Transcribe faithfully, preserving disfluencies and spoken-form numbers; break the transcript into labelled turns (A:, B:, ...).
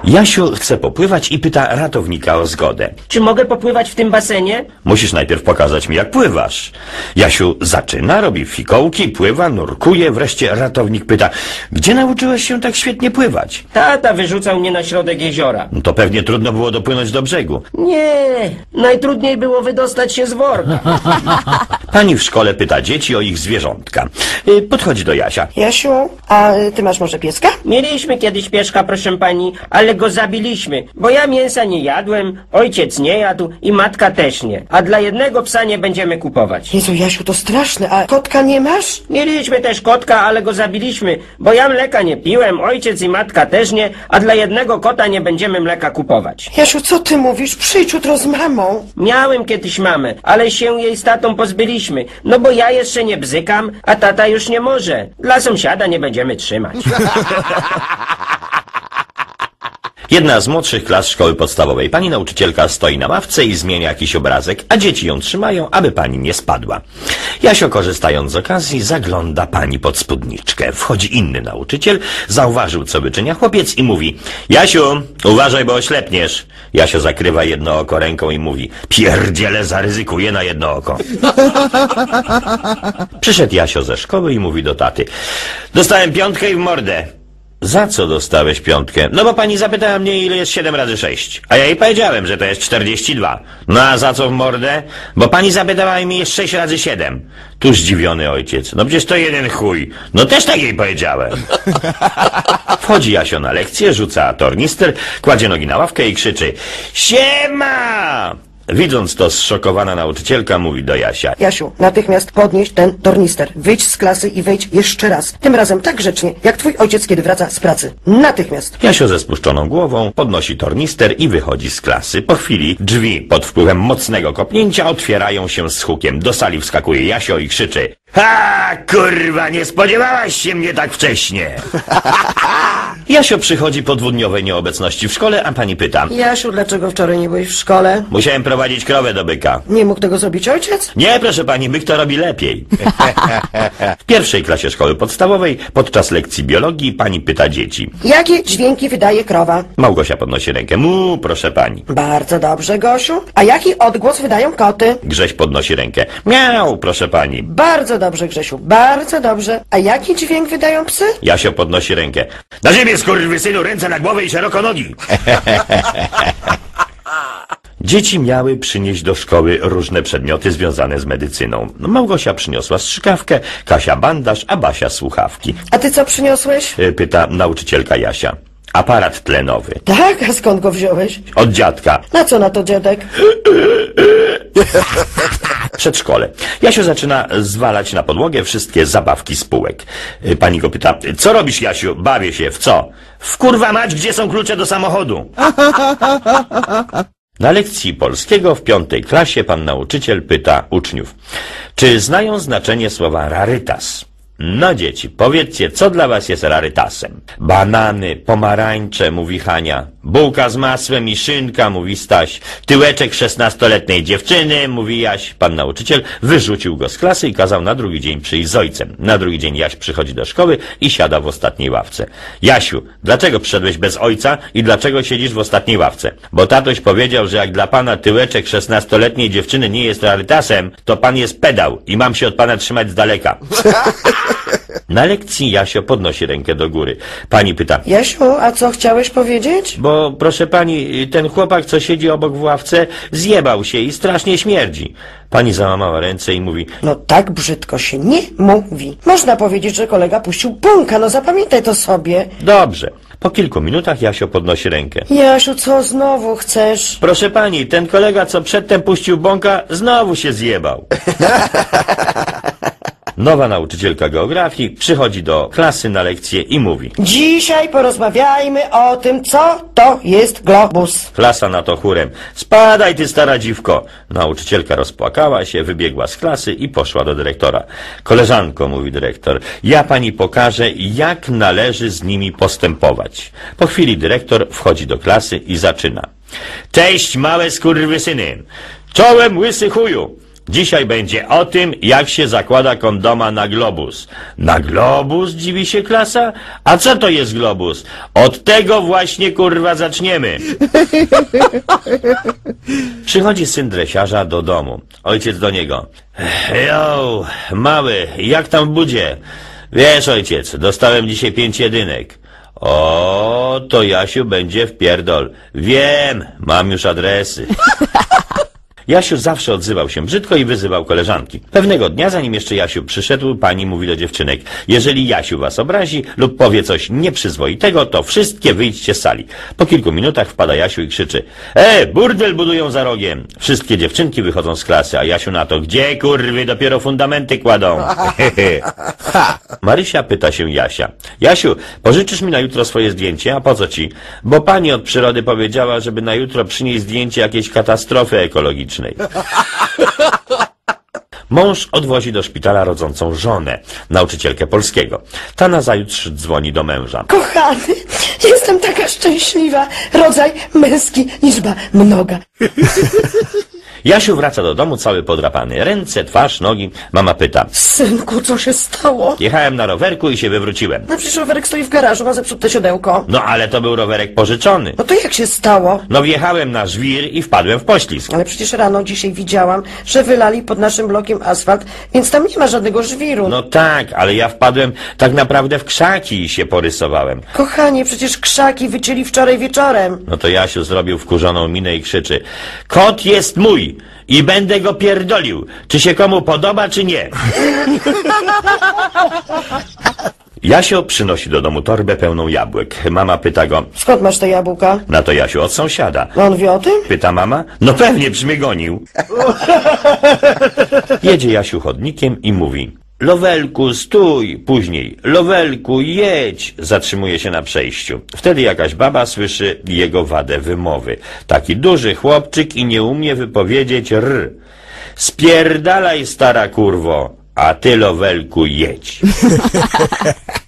A: Jasiu chce popływać i pyta ratownika o zgodę.
B: Czy mogę popływać w tym basenie?
A: Musisz najpierw pokazać mi, jak pływasz. Jasiu zaczyna, robi fikołki, pływa, nurkuje, wreszcie ratownik pyta, gdzie nauczyłeś się tak świetnie pływać?
B: Tata wyrzucał mnie na środek jeziora.
A: No to pewnie trudno było dopłynąć do brzegu.
B: Nie, najtrudniej było wydostać się z worka.
A: Pani w szkole pyta dzieci o ich zwierzątka. Y, Podchodzi do Jasia.
C: Jasiu, a ty masz może pieska?
B: Mieliśmy kiedyś pieszka, proszę pani, ale go zabiliśmy, bo ja mięsa nie jadłem, ojciec nie jadł i matka też nie. A dla jednego psa nie będziemy kupować.
C: Jezu, Jasiu, to straszne, a kotka nie masz?
B: Mieliśmy też kotka, ale go zabiliśmy, bo ja mleka nie piłem, ojciec i matka też nie, a dla jednego kota nie będziemy mleka kupować.
C: Jasiu, co ty mówisz? Przyjdź jutro z mamą.
B: Miałem kiedyś mamę, ale się jej z tatą pozbyliśmy, no bo ja jeszcze nie bzykam, a tata już nie może. Dla sąsiada nie będziemy trzymać.
A: Jedna z młodszych klas szkoły podstawowej. Pani nauczycielka stoi na ławce i zmienia jakiś obrazek, a dzieci ją trzymają, aby pani nie spadła. Jasio, korzystając z okazji, zagląda pani pod spódniczkę. Wchodzi inny nauczyciel, zauważył, co wyczynia chłopiec i mówi: Jasiu, uważaj, bo oślepniesz. Jasio zakrywa jedno oko ręką i mówi: pierdziele, zaryzykuję na jedno oko. Przyszedł Jasio ze szkoły i mówi do taty: dostałem piątkę i w mordę. Za co dostałeś piątkę? No bo pani zapytała mnie, ile jest siedem razy sześć. A ja jej powiedziałem, że to jest czterdzieści dwa. No a za co w mordę? Bo pani zapytała mi, jest sześć razy siedem. Tu zdziwiony ojciec. No przecież to jeden chuj. No też tak jej powiedziałem. Wchodzi Jasio na lekcję, rzuca tornister, kładzie nogi na ławkę i krzyczy: siema! Widząc to, zszokowana nauczycielka mówi do Jasia:
C: Jasiu, natychmiast podnieś ten tornister. Wyjdź z klasy i wejdź jeszcze raz. Tym razem tak grzecznie, jak twój ojciec, kiedy wraca z pracy. Natychmiast.
A: Jasio ze spuszczoną głową podnosi tornister i wychodzi z klasy. Po chwili drzwi pod wpływem mocnego kopnięcia otwierają się z hukiem. Do sali wskakuje Jasio i krzyczy: ha, kurwa, nie spodziewałaś się mnie tak wcześnie. Jasio przychodzi po dwudniowej nieobecności w szkole, a pani pyta:
C: Jasiu, dlaczego wczoraj nie byłeś w szkole?
A: Musiałem prowadzić krowę do byka.
C: Nie mógł tego zrobić ojciec?
A: Nie, proszę pani, byk to robi lepiej. W pierwszej klasie szkoły podstawowej podczas lekcji biologii pani pyta dzieci:
C: Jakie dźwięki wydaje krowa?
A: Małgosia podnosi rękę: mu, proszę pani.
C: Bardzo dobrze, Gosiu. A jaki odgłos wydają koty?
A: Grześ podnosi rękę: miau, proszę pani.
C: Bardzo dobrze, Grzesiu, bardzo dobrze. A jaki dźwięk wydają psy?
A: Jasio podnosi rękę: na ziemię, skurwysynu, ręce na głowę i szeroko nogi. Dzieci miały przynieść do szkoły różne przedmioty związane z medycyną. Małgosia przyniosła strzykawkę, Kasia bandaż, a Basia słuchawki.
C: A ty co przyniosłeś?
A: Pyta nauczycielka Jasia. Aparat tlenowy.
C: Tak, a skąd go wziąłeś?
A: Od dziadka.
C: Na co na to dziadek?
A: Przedszkole. Jasio zaczyna zwalać na podłogę wszystkie zabawki z półek. Pani go pyta: co robisz, Jasiu? Bawię się. W co? W kurwa mać, gdzie są klucze do samochodu? Na lekcji polskiego w piątej klasie pan nauczyciel pyta uczniów: czy znają znaczenie słowa rarytas? No dzieci, powiedzcie, co dla was jest rarytasem? Banany, pomarańcze, mówi Hania. Bułka z masłem i szynka, mówi Staś. Tyłeczek szesnastoletniej dziewczyny, mówi Jaś. Pan nauczyciel wyrzucił go z klasy i kazał na drugi dzień przyjść z ojcem. Na drugi dzień Jaś przychodzi do szkoły i siada w ostatniej ławce. Jasiu, dlaczego przyszedłeś bez ojca i dlaczego siedzisz w ostatniej ławce? Bo tatoś powiedział, że jak dla pana tyłeczek szesnastoletniej dziewczyny nie jest rarytasem, to pan jest pedał i mam się od pana trzymać z daleka. Na lekcji Jasio podnosi rękę do góry. Pani pyta:
C: Jasiu, a co chciałeś powiedzieć?
A: Bo proszę pani, ten chłopak, co siedzi obok w ławce, zjebał się i strasznie śmierdzi. Pani załamała ręce i mówi:
C: no tak brzydko się nie mówi. Można powiedzieć, że kolega puścił bąka, no zapamiętaj to sobie.
A: Dobrze. Po kilku minutach Jasio podnosi rękę.
C: Jasiu, co znowu chcesz?
A: Proszę pani, ten kolega, co przedtem puścił bąka, znowu się zjebał. Nowa nauczycielka geografii przychodzi do klasy na lekcję i mówi:
C: dzisiaj porozmawiajmy o tym, co to jest globus.
A: Klasa na to chórem: spadaj ty, stara dziwko. Nauczycielka rozpłakała się, wybiegła z klasy i poszła do dyrektora. Koleżanko, mówi dyrektor, ja pani pokażę, jak należy z nimi postępować. Po chwili dyrektor wchodzi do klasy i zaczyna: cześć, małe skurwysyny. Czołem, łysy chuju. Dzisiaj będzie o tym, jak się zakłada kondoma na globus. Na globus, dziwi się klasa? A co to jest globus? Od tego właśnie, kurwa, zaczniemy. Przychodzi syn dresiarza do domu. Ojciec do niego. Jo, mały, jak tam w budzie? Wiesz, ojciec, dostałem dzisiaj pięć jedynek. O, to Jasiu będzie w pierdol. Wiem, mam już adresy. Jasiu zawsze odzywał się brzydko i wyzywał koleżanki. Pewnego dnia, zanim jeszcze Jasiu przyszedł, pani mówi do dziewczynek: jeżeli Jasiu was obrazi lub powie coś nieprzyzwoitego, to wszystkie wyjdźcie z sali. Po kilku minutach wpada Jasiu i krzyczy: e, burdel budują za rogiem. Wszystkie dziewczynki wychodzą z klasy, a Jasiu na to: gdzie, kurwy, dopiero fundamenty kładą. Marysia pyta się Jasia: Jasiu, pożyczysz mi na jutro swoje zdjęcie? A po co ci? Bo pani od przyrody powiedziała, żeby na jutro przynieść zdjęcie jakiejś katastrofy ekologicznej. Mąż odwozi do szpitala rodzącą żonę, nauczycielkę polskiego. Ta nazajutrz dzwoni do męża.
C: Kochany, jestem taka szczęśliwa. Rodzaj męski, liczba mnoga.
A: Jasiu wraca do domu cały podrapany. Ręce, twarz, nogi. Mama pyta:
C: Synku, co się stało?
A: jechałem na rowerku i się wywróciłem.
C: No przecież rowerek stoi w garażu, ma zepsute siodełko.
A: No ale to był rowerek pożyczony.
C: No to jak się stało?
A: No wjechałem na żwir i wpadłem w poślizg.
C: Ale przecież rano dzisiaj widziałam, że wylali pod naszym blokiem asfalt, więc tam nie ma żadnego żwiru.
A: No tak, ale ja wpadłem tak naprawdę w krzaki i się porysowałem.
C: Kochanie, przecież krzaki wycięli wczoraj wieczorem.
A: No to Jasiu zrobił wkurzoną minę i krzyczy: kot jest mój i będę go pierdolił. Czy się komu podoba, czy nie? Jasio przynosi do domu torbę pełną jabłek. Mama pyta go:
C: Skąd masz te jabłka?
A: na to Jasiu: od sąsiada.
C: On wie o tym?
A: Pyta mama: no pewnie, przy mnie gonił. Jedzie Jasiu chodnikiem i mówi: Lowelku, stój! Później: Lowelku, jedź! Zatrzymuje się na przejściu. Wtedy jakaś baba słyszy jego wadę wymowy. Taki duży chłopczyk i nie umie wypowiedzieć r. Spierdalaj, stara kurwo, a ty, Lowelku, jedź.